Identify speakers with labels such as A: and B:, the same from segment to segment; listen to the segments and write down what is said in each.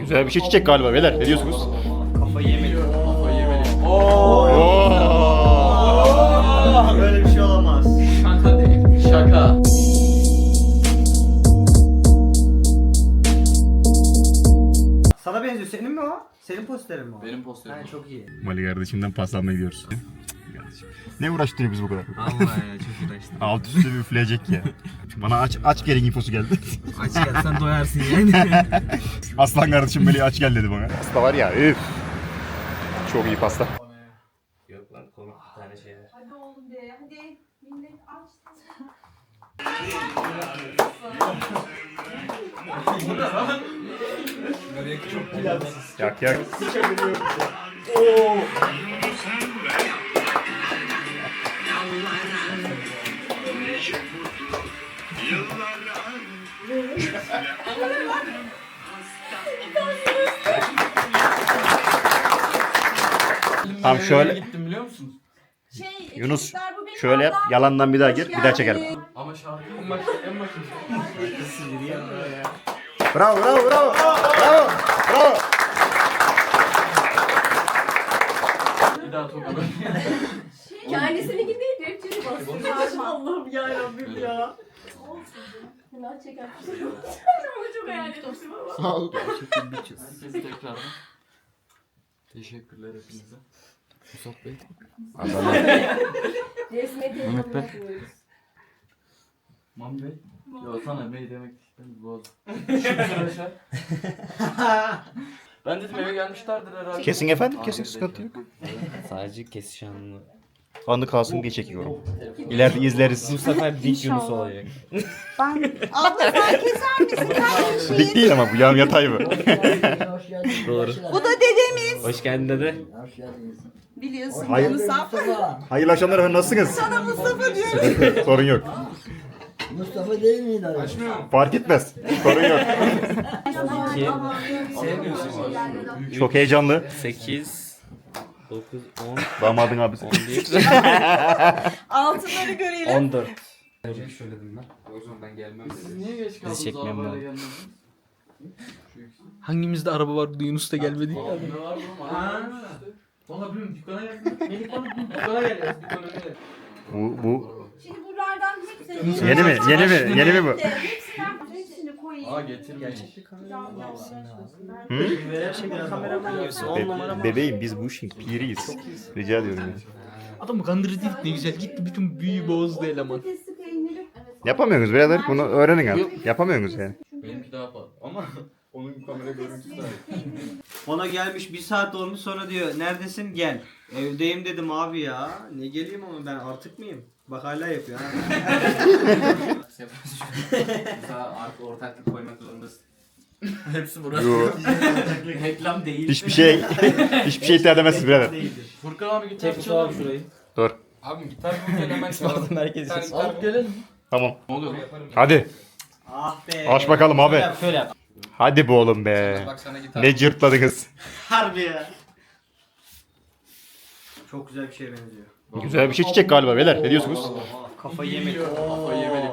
A: Güzel bir şey çiçek galiba beyler. Ne diyorsunuz?
B: Kafayı yemedim.
C: Kafayı yemedim.
B: Böyle bir şey olamaz.
C: Şaka değil. Şaka.
B: Sana benziyor. Senin mi o? Senin posterin mi o?
C: Benim posterim.
B: Ha, çok iyi.
A: Mali kardeşimden paslanmaya gidiyoruz. Ne uğraştırıyor biz bu kadar?
B: Allah ya çok uğraştım.
A: Alt üstte bir üfleyecek ya. Bana aç gelin infosu geldi.
B: Aç gelsen doyarsın yani.
A: Aslan kardeşim Melih aç gel dedi bana. Pasta var ya üf. Çok iyi pasta.
B: Yok lan komik bir tane şeyler.
D: Hadi oğlum be, hadi. Millet aç.
A: Yak yak. Tamam şöyle
C: Gittim biliyor musun?
A: Yunus,
D: çocuklar, bu benim
A: şöyle yap,
D: ablam.
A: yalandan bir daha gir,
D: Hoş
A: bir daha çekelim.
D: geldin.
C: Ama şarkı en başında.
A: Bravo bravo bravo. Bravo. Bravo.
C: Bir daha tokadı.
D: Kendisini değil, rapçini basıyor.
B: Allah'ım yarabbim ya.
D: Günah çeker. Onu çok hayal etmiştim ama.
C: Herkese tekrardan. Teşekkürler hepinize. Musab Bey.
D: Resmiyet
C: Mehmet Bey.
D: yapıyoruz.
C: Mami Bey. Yo sana Bey demek istedim. Boz. Arkadaşlar. Ben dedim eve gelmişlerdir herhalde.
A: Kesin efendim, kesin sıkıntı yok.
E: Sadece kesiş anını.
A: Anı kalsın diye çekiyorum. İleride izleriz.
E: Bu sefer dik Yunus olacak.
D: Abla sen keser misin kardeşim?
A: Dik değil ama bu yan yatay mı?
E: Doğru.
D: Bu da dedemiz.
E: Hoş geldin dede.
D: Biliyorsun
A: Hayır.
D: Mustafa.
A: Hayırlı akşamlar efendim, nasılsınız?
D: Sana Mustafa diyorum.
A: Sorun yok.
F: Mustafa değil miydi abi?
A: Fark etmez. Sorun yok.
E: 2,
A: Çok heyecanlı.
E: 8, 9, 10,
A: Damadın abisi.
E: 11,
D: Altınları görelim.
E: 14.
C: Siz niye geç kaldınız
E: Bizi çekmeyen
C: arabayla
E: bu.
C: gelmediniz?
G: Hangimizde araba vardı Yunus da gelmedi.
C: Abi ne var oğlum?
B: Ha. Valla bilmiyorum dükkana geldim. Melih bana dükkana gel. Dükkana gel.
A: Bu
D: Şimdi buralardan hepsini...
A: Yeni mi? Yeni mi? Yeni mi bu?
D: Hepsini koyayım.
C: Aa getirmeyin.
B: Gerçekten kameraman gibisin. 10 numara
A: Bebeğim biz bu işin piriyiz. Rica ediyorum ya.
G: Adamı kandırdı ne güzel gitti bütün büyüyü bozdu eleman.
D: Patatesli peyniri.
A: Yapamıyorsunuz birader, bunu öğrenin artık. Yapamıyorsunuz yani.
C: Benimki daha pahalı. Ama onun kamera görüntüsü daha iyi.
B: Ona gelmiş 1 saat olmuş sonra diyor neredesin gel. Evdeyim dedim abi ya. Ne geleyim ama ben artık mıyım? Bak hala yapıyor ha.
C: Mesela artık ortaklık koymak zorundasın. Hepsi burası.
A: Yo.
C: Reklam değil.
A: Hiçbir şey iddia edemezsiniz birader.
C: Furkan abi gitar
E: Tek
C: çalar
E: abi şurayı.
A: Dur.
C: Abi gitar bul gel hemen çalalım.
E: Herkes
C: Sen alıp gelelim.
A: Tamam.
C: Ne oluyor?
A: Hadi.
B: Ah be.
A: Aç bakalım abi.
B: Şöyle yap, şöyle yap.
A: Hadi bu oğlum be.
C: Bak sana gitar.
A: Ne cırtladınız.
B: Harbi ya. Çok güzel bir şeye benziyor.
A: Güzel bir şey çiçek galiba beyler. Ne diyorsunuz?
B: Kafayı yemedim.
C: Kafayı yemedim.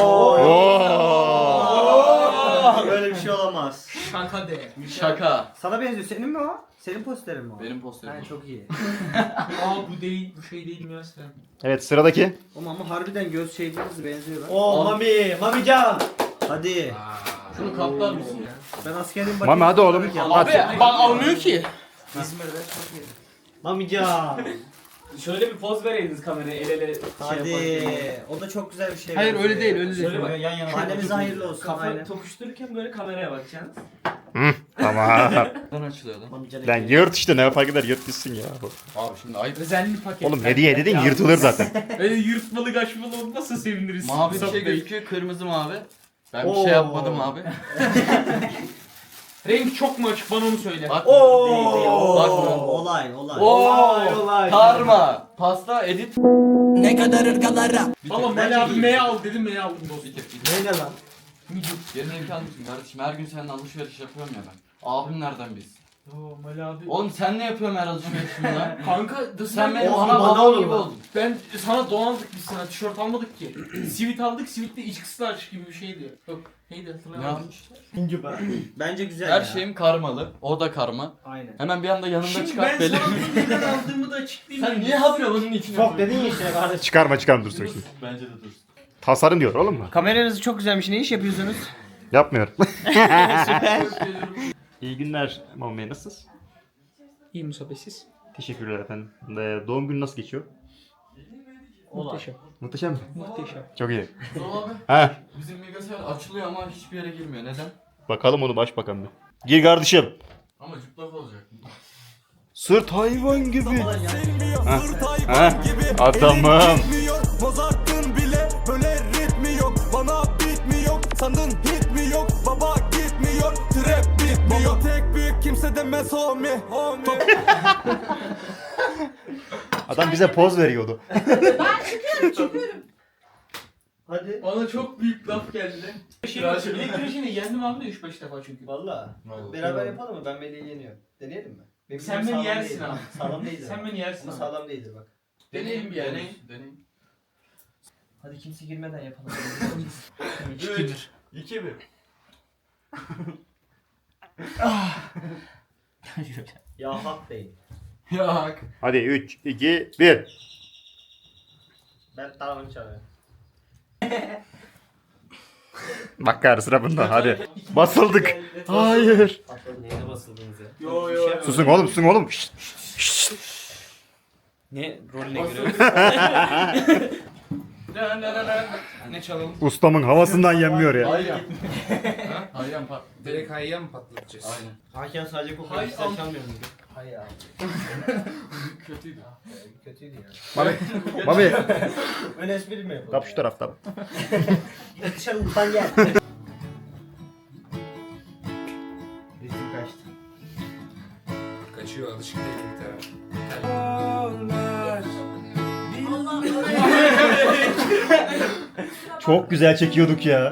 B: Böyle bir şey olamaz.
G: Şaka de.
C: Şaka.
B: Sana benziyor. Senin mi o? Senin posterin mi o?
C: Benim posterim.
B: Ha, çok iyi.
G: Aa bu değil bu şey değil mi ya sen?
A: Evet, sıradaki.
B: Ama harbiden göz şeyleriniz benziyor lan. Oo Mami can. Hadi.
C: Şunu kaplar mısın ya?
B: Ben askerim
A: Mami hadi oğlum.
G: Abi
A: Hadi.
G: bak almıyor ki.
B: Mami can.
E: Şöyle bir poz vereydiniz kameraya el ele
B: Hadi. O da çok güzel bir şey.
G: Hayır
B: benziyor.
G: öyle değil öyle değil.
E: Şöyle bak yan yana.
B: Annemize hayırlı olsun.
E: Kafa
B: Aynen.
E: tokuştururken böyle kameraya bakacaksınız.
A: Tamam.
C: Buradan açılıyor lan.
B: Mami can.
A: Lan yırt işte, ne fark eder, yırt gitsin ya.
C: Abi şimdi ayıp.
G: Özenli paket.
A: Oğlum hediye dedin yırtılır zaten.
G: Öyle yırtmalı kaçmalı olmazsa seviniriz.
C: Mavi bir şey gözüküyor, kırmızı mavi. Ben bir şey yapmadım abi.
G: Renk çok mu açık bana onu söyle.
C: Bak.
B: Oo.
C: Bak.
B: Olay.
C: Oo. Karma. Pasta edit.
G: Valla Mali abi M'ye al dedim M'ye aldım dostum.
C: Bitir. Bitir.
B: Ne lan?
C: Yerine imkan mısın kardeşim? Her gün seninle alışveriş yapıyorum ya ben. Abim nereden biz?
E: Oo Mali abi.
C: Oğlum sen ne yapıyorsun her alışverişini lan?
E: Kanka
C: Sen benim
B: Oğlum,
C: ana
B: bana
C: babam
B: olur
C: gibi
B: lan.
C: oldun.
E: ben sana don aldık biz sana tişört almadık ki. Sivit aldık sivitte iç kıslar gibi bir şeydi. Yok neydi
C: Ne
E: hatırlamadım.
C: almış?
B: Bence güzel
C: Her
B: ya.
C: şeyim karmalı. O da karma.
B: Aynen.
C: Hemen bir anda yanımda
E: Şimdi
C: çıkart
E: ben
C: beni.
E: sana bunu neden aldığımı da açıklayayım.
C: Sen niye habire bunun içine
B: Çok dedin ya işte kardeşim.
A: Çıkarma dursun şimdi.
C: Bence de dursun.
A: Tasarım diyor oğlum mu?
B: Kameranız çok güzelmiş. Ne iş yapıyorsunuz?
A: Yapmıyor.
B: Süper.
A: İyi günler Muhammed Bey, nasılsınız?
G: İyi müsaadesiz.
A: Teşekkürler efendim. Doğum günü nasıl geçiyor?
G: Muhteşem.
A: Muhteşem mi?
G: Muhteşem.
A: Çok iyi.
C: Doğru abi.
A: Ha,
C: Bizim bilgisayar açılıyor ama hiçbir yere girmiyor. Neden?
A: bakalım onu baş bakalım bir. Gir kardeşim.
C: Ama cıplak olacak.
A: Sırt hayvan gibi. Adamım.
H: Mozart'ın bile böyle ritmi yok. Bana beat mi yok? Sandın hit mi yok? Baba gitmiyor. Trap bitmiyor. Baba tek büyük kimse demez homie.
A: Adam bize poz veriyordu.
D: Ben çıkıyorum.
B: Hadi.
E: Bana çok büyük laf geldi. Elektriğini yendim abi de 3-5 defa çünkü.
B: Valla. Beraber yapalım mı? Ben Melih'i yeniyorum. Deneyelim mi? Benim
E: Sen
B: sağlam
E: beni yersin
B: değildir.
E: abi.
B: Sağlam değildir.
E: Sen beni yersin
B: Bu
E: abi.
B: sağlam değildir bak.
E: Deneyelim bir yani.
C: Deneyin.
B: Hadi kimse girmeden yapalım.
C: 3, 2, 1.
B: Ya hak değil.
C: Yak.
A: Hadi 3, 2, 1.
B: Ben tamamını çalıyorum.
A: Bak gari sıra bunda hadi. Basıldık. Hayır.
B: Neyine basıldınız ya?
E: Yo yo.
A: Susun oğlum, susun oğlum. Şşt.
B: Ne rolüne göre?
I: Ne çalalım?
A: Ustamın havasından yenmiyor ya.
C: Hayyan. Hayyan pat.
I: Direkt hayya mı patlatacağız?
C: Aynen.
B: Hakan sadece
E: Hay
B: kokuyor. Sen
E: am-
B: çalmıyor muydun? Hayır abi.
C: Kötüydü.
B: Kötüydü ya.
A: Mami,
B: Ön espri mi yapalım?
A: kap şu tarafta.
B: Dışarı utan gel. Ritim kaçtı.
I: Kaçıyor, alışık değil bir taraf.
A: Çok güzel çekiyorduk ya.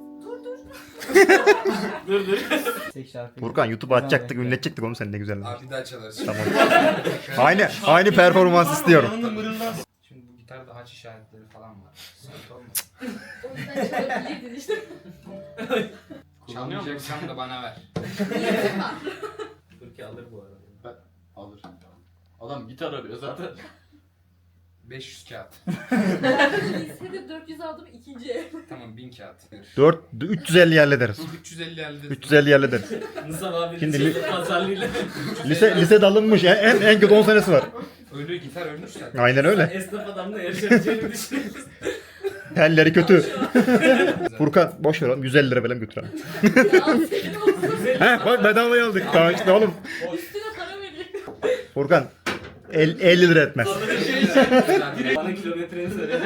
B: Tek şarkı.
A: Furkan YouTube'a atacaktık, ünletecektik oğlum sen ne güzel.
I: Abi bir daha çalarız.
A: Tamam. Aynı performans istiyorum.
I: Şimdi bu gitarda haç işaretleri falan var. Sıkıntı olmaz.
D: O yüzden çalabilirdin işte.
I: Çalmayacaksan da bana ver.
D: Niyetim var.
B: Türkiye alır bu arada.
C: Alır. Adam gitar arıyor zaten.
I: 500 kağıt.
D: Ben lisede 400 aldım ikinci ev.
I: Tamam 1000 kağıt.
A: 350 hallederiz.
I: 350 elde.
A: 350 hallederiz.
E: Nizam abi
A: Şimdi
E: pazarlığıyla.
A: Lise dalınmış en kötü 10 senesi var.
I: Ölü gitar ölmüş zaten.
A: Aynen öyle.
E: Esnaf adamla yarışabileceğini düşünüyoruz.
A: Telleri kötü. Furkan boş ver oğlum 150 lira falan götürelim.
D: Ya senin olsun.
A: He bak bedavaya aldık. Tamam işte oğlum.
D: Üstüne para veriyor.
A: Furkan 50 lira etmez.
E: Bana kilometreyi söyle.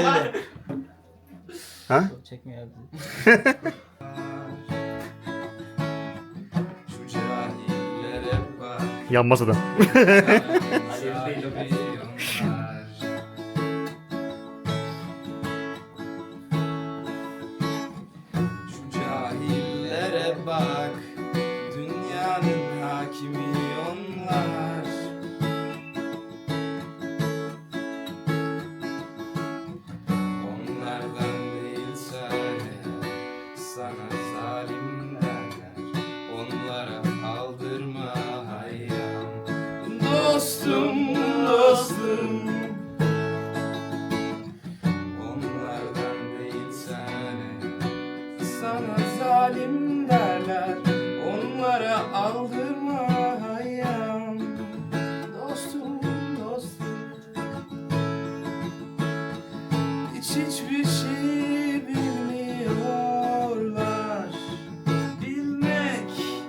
A: Ha?
B: Çekmiyor abi.
I: Şu cahillere bak.
A: Yanmaz adam.
I: Şu cahillere bak. Dünyanın hakimi onlar. Onlardan değilse sana zalim derler. Onlara aldırma hayyam. Dostum, dostum. Onlardan değilse sana zalim derler. Onlara aldırma hayyam. Dostum, dostum. Hiçbir şey bilmiyorlar. Bilmek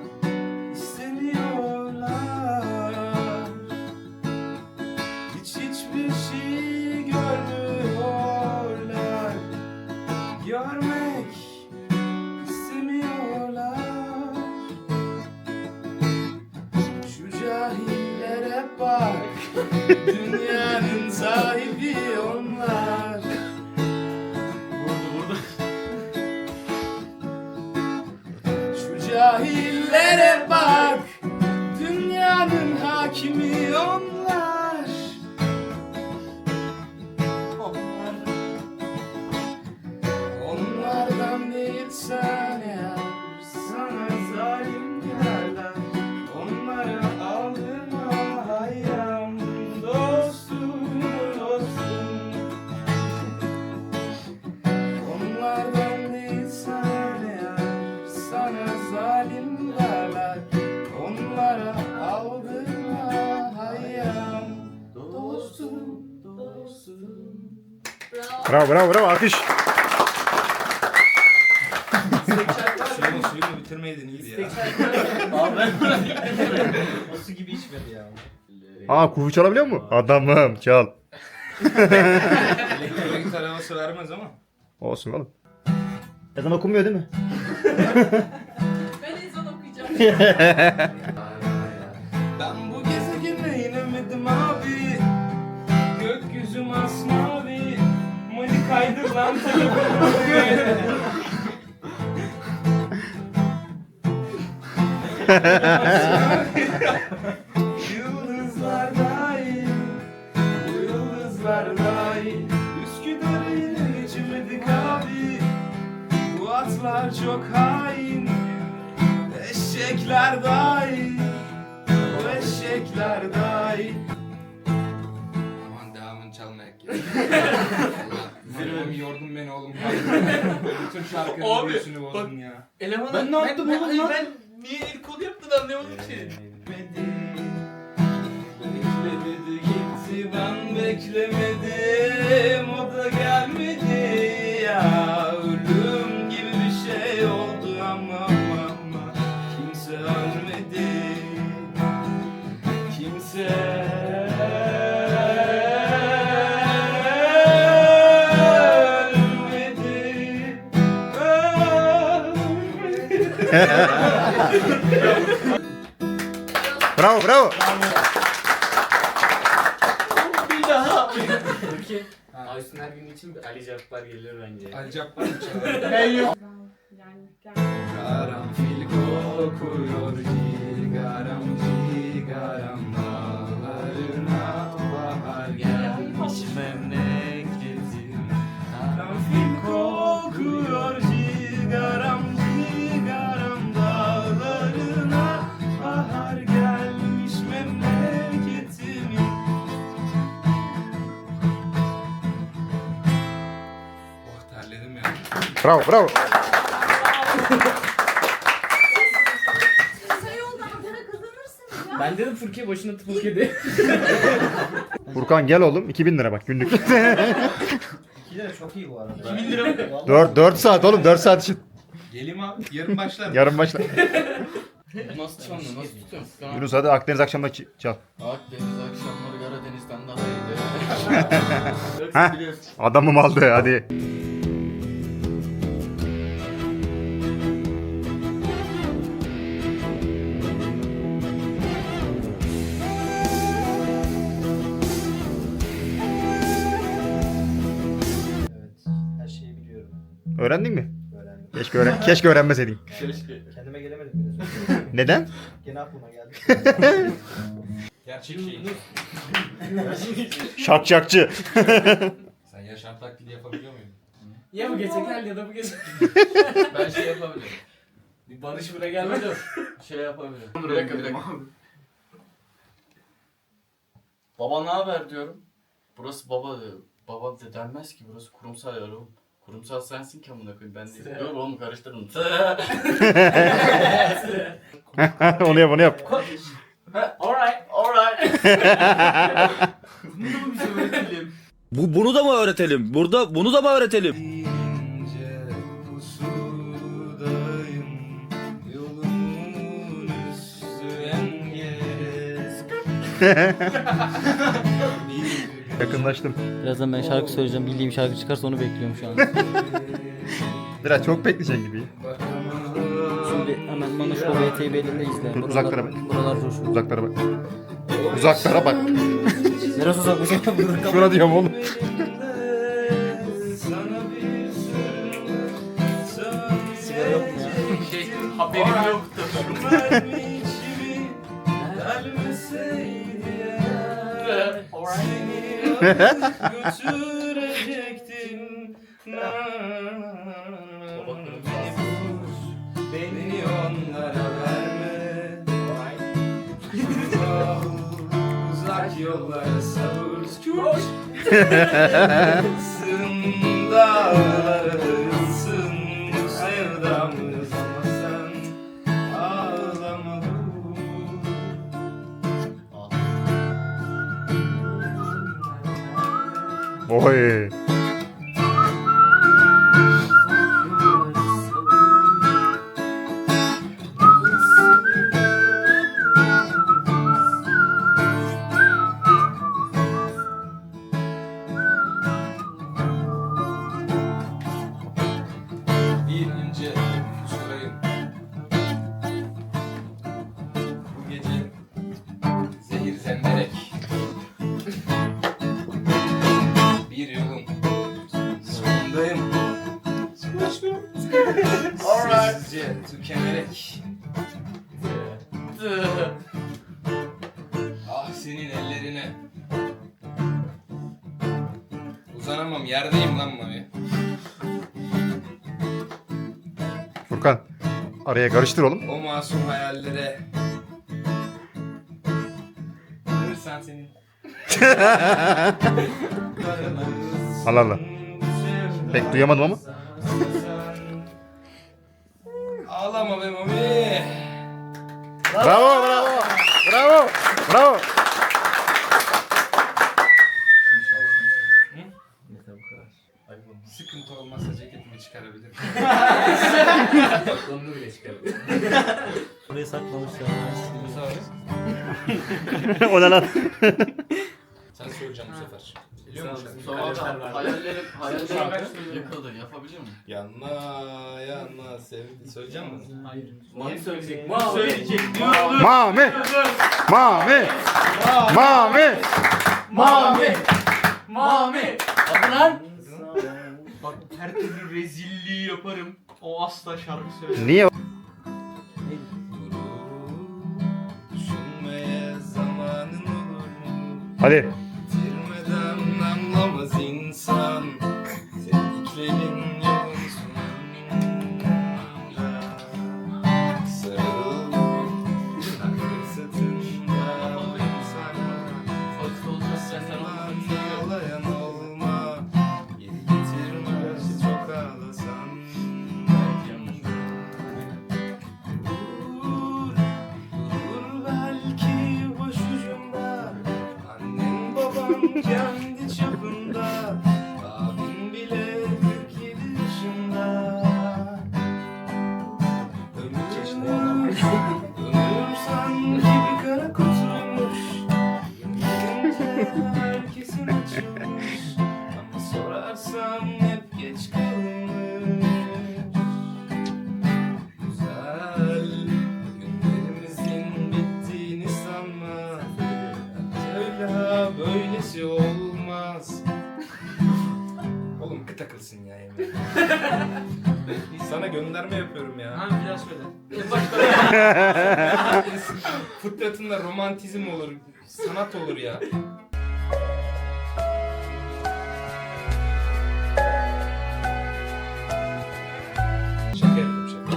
I: istemiyorlar. Hiçbir şey görmüyorlar. Görmek istemiyorlar. Şu cahillere bak. Dünyanın sahibi onlar.
A: Bravo bravo bravo alkış.
I: Suyunu bitirmeydin iyiydi ya.
B: O su gibi içmedi ya.
A: Aa kuğu çalabiliyor mu? Adamım çal.
I: Elektrik arabası vermez ama.
A: Olsun oğlum. Ezan okunmuyor değil mi?
D: Ben ezan okuyacağım.
I: Ben bu gezegene inemedim abi. Gökyüzü masmavi. Mani kaydır lan telefonumu. Yıldızlar dahil, bu yıldızlar dahil. Üsküdar'ı yine geçemedik abi. Bu atlar çok hain. Eşekler dahil, bu eşekler dahil. Aman devamını çalmayak ya. Zirvemi yordun beni oğlum. Bütün şarkının
E: Abi,
I: büyüsünü bozdun ya.
E: Eleman
C: Ben ne yaptım oğlum lan?
E: Ben niye el kol yaptın anlayamadım ki.
I: Beklemedi gitti ben beklemedim o da gelmedi ya ölüm gibi bir şey oldu ama kimse ölmedi kimse
A: Bravo bravo.
E: Bir daha.
C: Aysun her gün için bir Ali Cabbar gelir bence.
I: Ali Cabbar mı çalar?
E: Ben yok.
D: Yani
I: Karanfil kokuyor cigaram cigaram dağlarına bahar gelmiş memleketim. Karanfil kokuyor cigaram cigaram dağlarına bahar gelmiş memleketimin. Oh terledim ya.
A: Bravo bravo.
D: kısa yoldan para kazanırsınız ya.
C: Ben dedim Furkiye başına tıpık yedi.
A: Furkan gel oğlum 2000 lira bak günlük.
B: 2 lira çok iyi bu arada.
E: 2000 lira mı?
A: 4 saat oğlum 4 saat için.
I: Geleyim abi yarın başlar.
A: Yarın başla.
C: Nasıl çalıyor? Nasıl tutuyorsun?
A: Yunus hadi Akdeniz akşamında çal.
C: Akdeniz akşamları Karadeniz'den daha iyiydi.
A: Heh.
C: Biliyorsun.
A: Adamım aldı hadi.
B: Evet. Her şeyi biliyorum.
A: Öğrendin mi?
B: Öğrendim.
A: Keşke öğrenmeseydin.
B: Kendime gelemedim bile.
A: Neden?
B: Gene aklıma geldi.
I: Gerçek şey.
A: Şakşakçı.
I: Sen yaşam taklidi yapabiliyor muydun?
C: Ya bu gece gel ya da bu gece. Ben şey yapabilirim. Bir Barış buraya gelmedi. Şey yapabilirim. Bir dakika. Baba ne haber diyorum. Burası baba diyor. Baba de denmez ki burası kurumsal yer oğlum. Kurumsal sensin ki amına koyayım ben değil. Dur oğlum karıştırdım.
A: Onu yap onu yap.
C: Alright.
H: Bunu da mı öğretelim? Bunu da mı öğretelim?
I: İnce pusudayım, yolumun üstü engez.
A: Yakınlaştım.
J: Birazdan ben şarkı söyleyeceğim. Bildiğim şarkı çıkarsa onu bekliyorum şu an.
A: Biraz çok bekleyeceksin gibi.
J: Şimdi hemen Manuş Baba eteği belinde izle.
A: Dur, uzaklara bak.
J: Buralar coşuyor.
A: Uzaklara bak. Uzaklara bak.
J: Neresi uzakmış ya?
A: Şuna diyorum oğlum.
J: Sigara yok mu ya?
E: Haberim yoktu.
I: Götürecektin beni onlara verme. Uzak yollara savur. Sın dağlara sın sevdamız ama sen ağlama.
A: Oy.
I: Ah senin ellerine. Uzanamam, yerdeyim lan Mami.
A: Furkan araya karıştır oğlum.
I: O masum hayallere. Görürsen senin.
A: Allah Allah. Pek duyamadım ama.
I: Ağlama be Mami.
A: Bravo bravo. Bravo. Bravo.
I: Sıkıntı olmazsa ceketimi çıkarabilirim. Onu bile çıkarabilirim.
J: Buraya saklamışlar.
A: O ne lan?
I: Sen söyleyeceğim bu sefer. Biliyor musun?
C: Hayallerim yıkıldı. Yapabilir miyim?
I: Yanma yanma sevdi. Söyleyeceğim mi?
E: Hayır.
C: Mami söyleyecek.
E: Söyleyecek.
A: Mami. Mami. Mami.
E: Mami. Mami. Hadi lan. Bak her türlü rezilliği yaparım. O asla şarkı söyler.
A: Niye?
I: Düşünmeye zamanın olur mu?
A: Hadi.
I: Bitirmeden anlamaz insan. Sevdiklerin yolun sonunda. Sarıl. Takdir sırtında. Sarma.
C: Fakir olacaksan sen onu
I: Ağlayan olma. Geri getirmez çok ağlasan. Dur belki başucumda. Annen babam kendi çapında. Abin bile 47 yaşında. Ömür sanki bir kara kutuymuş. Yanında herkesin açılmış. Ama sorarsan hep geç kalınmış. Güzel günlerimizin bittiğini sanma. Öyle böylesi olmaz. Oğlum kıt akılsın ya yemin. Sana gönderme yapıyorum ya.
E: Ha bir daha söyle.
I: Fıtratında romantizm olur, sanat olur ya. Şaka yapıyorum şaka.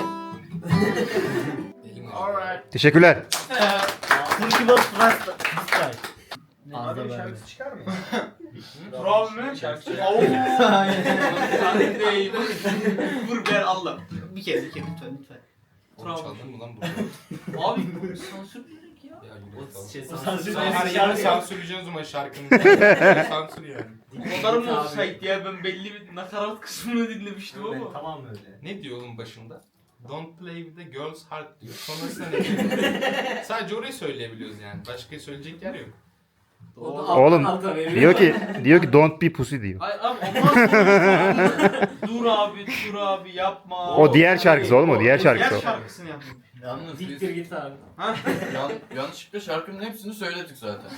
I: Elim
E: Alright.
A: Teşekkürler.
J: Türkü bas rasta.
E: Abi
J: Ağda
E: şarkı çıkar mı?
I: Bravo.
E: Bravo mu?
I: Şarkı
E: Oo. Sen değil. Vur ver Allah.
B: Bir kere lütfen.
I: Oğlum çaldın mı lan bunu?
E: Abi sansür dedik ya.
I: Ya yürü
B: O
I: git
B: şey
I: oğlum.
B: sansür
I: Sen her
B: şarkı.
I: yeri sansürleyeceksin o zaman şarkının. Sansür yani.
E: Onlar mı olsaydı ya ben belli bir nakarat kısmını dinlemiştim ama.
B: Tamam öyle.
I: Ne diyor oğlum başında? Don't play with the girl's heart diyor. Sonrasında ne diyor? Sadece orayı söyleyebiliyoruz yani. Başka söyleyecek yer yok.
A: Oğlum diyor ki don't be pussy diyor.
E: Ay abi dur abi yapma.
A: O diğer şarkısı oğlum, o diğer şarkısı
E: Diğer
A: o.
E: şarkısını yaptım.
C: Yalnız biz
B: git abi.
C: yanlışlıkla şarkının hepsini söyledik zaten.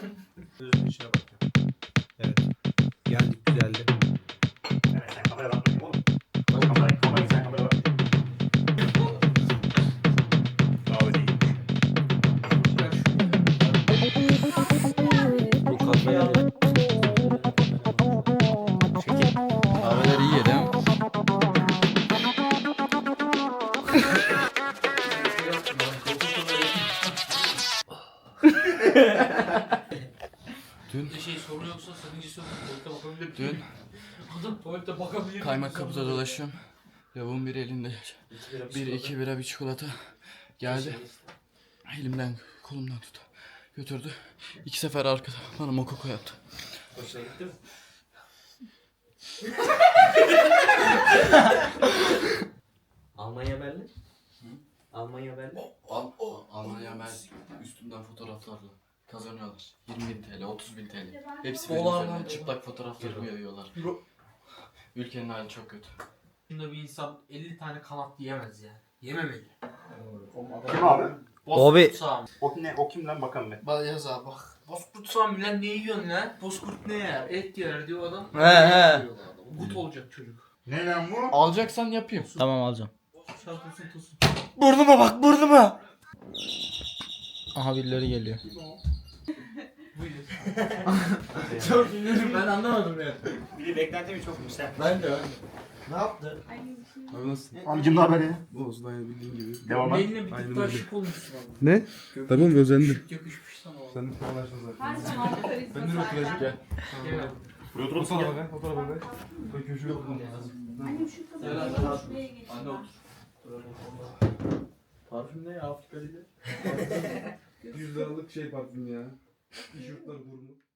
F: Evet. Geldik güzeldi.
A: Evet sen kameraya bakma oğlum. Kamerayı sen kameraya bak. Bravo değil.
J: Bu kafaya
G: Kahveler iyi ya değil mi?
E: Bir şey soru yoksa sakıncası yok. Tuvalete bakabilir
C: Dün
E: Adam tuvalete bakabilir miyim?
C: kaymak kapıda dolaşıyorum. Lavuğun biri elinde. Bir iki bira bir çikolata. Geldi. Elimden kolumdan tut. Götürdü. 2 sefer arkada bana mokoko yaptı.
B: Hoşuna gitti mi? Almanya Berlin. Almanya Berlin.
C: Almanya ben üstümden fotoğraflarla kazanıyorlar. 20.000 TL, 30.000 TL. Hepsi
E: Dolar
C: benim
E: lan.
C: üzerine çıplak fotoğraflarımı yayıyorlar. Ülkenin hali çok kötü.
E: Bunda bir insan 50 tane kanat yiyemez yani. Yememeli.
A: Kim abi?
J: Abi.
A: O kim lan bakalım be.
E: Bak yaz abi bak. Bozkurt sağım lan ne yiyorsun lan? Bozkurt ne yer? Et yer diyor adam.
J: He.
E: Gut olacak çocuk.
A: Ne lan bu?
C: Alacaksan yapayım.
J: Tamam alacağım.
E: Şarkısın tosun.
J: Burnuma bak burnuma. Aha birileri geliyor.
E: Çok üzüldüm ben anlamadım ya.
B: Bir de beklentimi çok yüksek.
E: Ben de.
B: Ne yaptı?
G: Abi nasılsın?
A: Amcım ne haber ya?
G: Olsun aynı bildiğin gibi.
A: Devam et.
E: Beline bir tık daha şık olmuşsun ama.
G: Ne? Tamam özendim.
E: Yakışmış sana o.
G: Sen de paylaştın zaten.
D: Her zaman karizma
G: Ben de oturacağım. Gel.
A: Buraya otur
G: Otur abi. Otur abi. Ben köşeye oturmam lazım.
D: Annem şu
E: Gel
D: kızı
E: abi.
D: şuraya geçti.
E: Anne otur. Parfüm ne ya Afrika değil.
G: 100 liralık şey parfüm ya. İş yurtları kurumu.